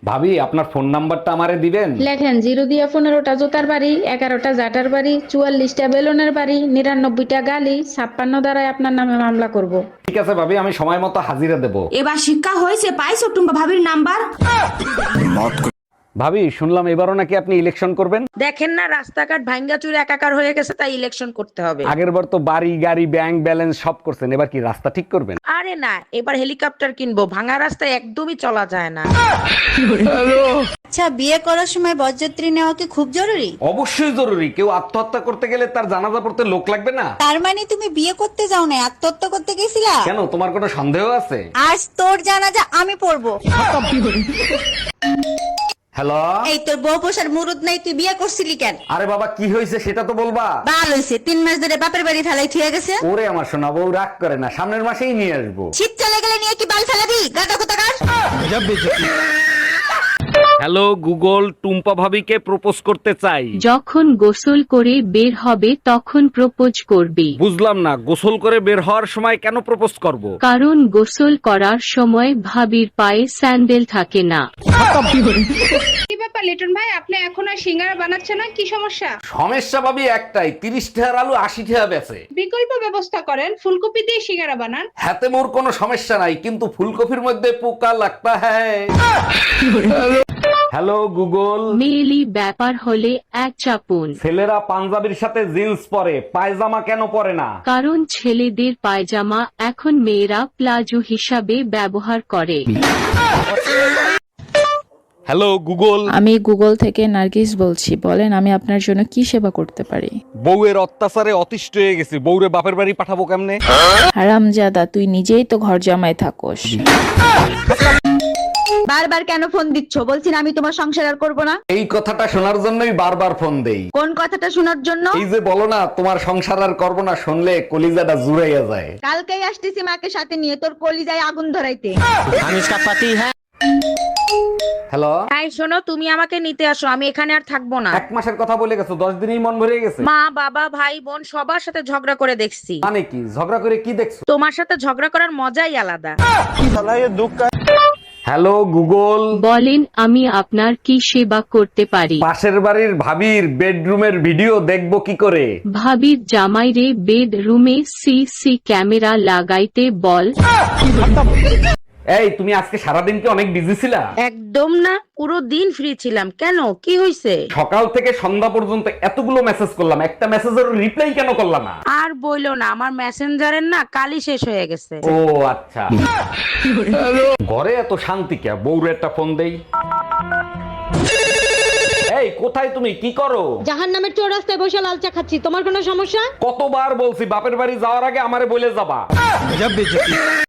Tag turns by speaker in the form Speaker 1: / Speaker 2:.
Speaker 1: ভাবি আপনার ফোন নাম্বারটা আমারে দিবেন?
Speaker 2: লেখেন 0 দিয়া 15টা জোতার বাড়ি, 11টা জাটার বাড়ি, 44টা বেলুনের বাড়ি, 99টা গালি, 56 দ্বারাই আপনার নামে মামলা করব।
Speaker 1: ঠিক আছে ভাবি, আমি সময় মতো হাজিরা দেব।
Speaker 3: এবার শিক্ষা হয়েছে, পাইছো টুম্পা ভাবির নাম্বার?
Speaker 1: ভাবি শুনলাম এবারও নাকি আপনি ইলেকশন করবেন।
Speaker 4: দেখেন না রাস্তাঘাট ভাঙ্গা চুরে একাকার হয়ে গেছে, তাই ইলেকশন করতে হবে।
Speaker 1: আগের বার তো বাড়ি গাড়ি ব্যাংক ব্যালেন্স সব করছেন, এবার কি রাস্তা ঠিক করবেন?
Speaker 4: আরে না, এবার হেলিকপ্টার কিনবো, ভাঙা রাস্তায় একদমই চলা যায় না।
Speaker 5: আচ্ছা, বিয়ে করার সময় বরযাত্রী নেওয়া কি খুব জরুরি?
Speaker 1: অবশ্যই জরুরি। কেউ আত্মহত্যা করতে গেলে তার জানাজা পড়তে লোক লাগবে না?
Speaker 5: তার মানে তুমি বিয়ে করতে যাও না, আত্মহত্যা করতে গেছিলা?
Speaker 1: কেন, তোমার কোনো সন্দেহ আছে?
Speaker 5: আজ তোর জানাজা আমি পড়বো।
Speaker 1: হ্যালো।
Speaker 5: এই তোর বউ পোষার মুরুদ নাই, তুই বিয়ে করছিলি কেন?
Speaker 1: আরে বাবা, কি হয়েছে সেটা তো বলবা।
Speaker 5: বাল হইছে, 3 মাস ধরে বাপের বাড়ি ফেলাই থুয়ে গেছে।
Speaker 1: ওরে আমার সোনা বউ, রাগ করে না, সামনের মাসেই নিয়ে আসবো।
Speaker 5: শীত চলে গেলে নিয়ে কি বাল ফেলাবি? গাদা কোথাকার।
Speaker 1: হ্যালো গুগল, টুম্পা ভাবিকে প্রপোজ করতে চাই।
Speaker 6: যখন গোসল করে বের হবে তখন প্রপোজ করবে।
Speaker 1: বুঝলাম না, গোসল করে বের হওয়ার সময় কেন প্রপোজ করব?
Speaker 6: কারণ গোসল করার সময় ভাবির পায়ে স্যান্ডেল থাকে না।
Speaker 7: কি ব্যাপার লিটন ভাই, আপনি এখন আর সিঙ্গারা বানাচ্ছেন না? কি সমস্যা?
Speaker 1: সমস্যা ভাবি একটাই, 30 টাকার আলু 80 টাকা বেচে।
Speaker 7: বিকল্প ব্যবস্থা করেন, ফুলকপি দিয়ে সিঙ্গারা বানান।
Speaker 1: হাতে মোর কোনো সমস্যা নাই, কিন্তু ফুলকপির মধ্যে পোকা লাগতা হ্যায়। Hello Google.
Speaker 6: মেয়েলি ব্যাপার হলে এক চাপুন।
Speaker 1: ছেলেরা পাঞ্জাবির সাথে জিন্স পরে, পায়জামা কেন পরে না?
Speaker 6: কারণ ছেলেদের পায়জামা এখন মেয়েরা প্লাজো হিসাবে ব্যবহার করে।
Speaker 1: Hello Google.
Speaker 8: আমি গুগল থেকে নার্গিস বলছি, বলেন আমি আপনার জন্য কি সেবা করতে পারি?
Speaker 1: বউয়ের অত্যাচারে অতিষ্ঠ হয়ে গেছি, বউরে বাপের বাড়ি পাঠাবো কেমনে?
Speaker 8: হারামজাদা, তুই নিজেই তো ঘর জামাই থাকোস।
Speaker 5: বারবার কেন ফোন দিচ্ছ? বলছি না আমি তোমার সংসার আর করবো না।
Speaker 1: এই কথাটা শোনার জন্যই বারবার ফোন দেই।
Speaker 5: কোন কথাটা শোনার জন্য?
Speaker 1: এই যে বলো না তোমার সংসার আর করবো না, শুনলে কলিজাটা জুড়াইয়া যায়।
Speaker 5: কালকেই আসতেছি মাকে সাথে নিয়ে তোর কলিজায় আগুন ধরাইতে।
Speaker 1: হ্যালো।
Speaker 4: তাই শোনো, তুমি আমাকে নিতে আসো, আমি এখানে আর থাকবো না।
Speaker 1: 1 মাসের কথা বলে গেছো, 10 দিনই মন ভরে গেছে।
Speaker 4: মা বাবা ভাই বোন সবার সাথে ঝগড়া করে দেখছি।
Speaker 1: মানে কি ঝগড়া করে কি দেখছো?
Speaker 4: তোমার সাথে ঝগড়া করার মজাই আলাদা।
Speaker 1: Hello Google.
Speaker 6: বলেন আমি আপনার কি সেবা করতে পারি?
Speaker 1: পাশের বাড়ির ভাবির বেডরুমের ভিডিও দেখবো কি করে?
Speaker 6: ভাবির জামাইরে বেডরুমে সিসি ক্যামেরা লাগাইতে বল।
Speaker 1: এই তুমি আজকে সারাদিন কি অনেক বিজি ছিলা?
Speaker 4: একদম না, পুরো দিন ফ্রি ছিলাম। কেন, কি হয়েছে?
Speaker 1: সকাল থেকে সন্ধ্যা পর্যন্ত এতগুলো মেসেজ করলাম, একটা মেসেজের রিপ্লাই কেন করলাম না?
Speaker 4: আর বইলো না, আমার মেসেঞ্জারের না কালই শেষ হয়ে গেছে।
Speaker 1: ও আচ্ছা। ঘরে এত শান্তি কে? বউরে একটা ফোন দেই। এই কোথায় তুমি, কি করো?
Speaker 2: জাহান্নামের চৌরাস্তায় বসে লাল চা খাচ্ছি, তোমার কোনো সমস্যা?
Speaker 1: কতবার বলছি বাপের বাড়ি যাওয়ার আগে আমারে বলে যাবা।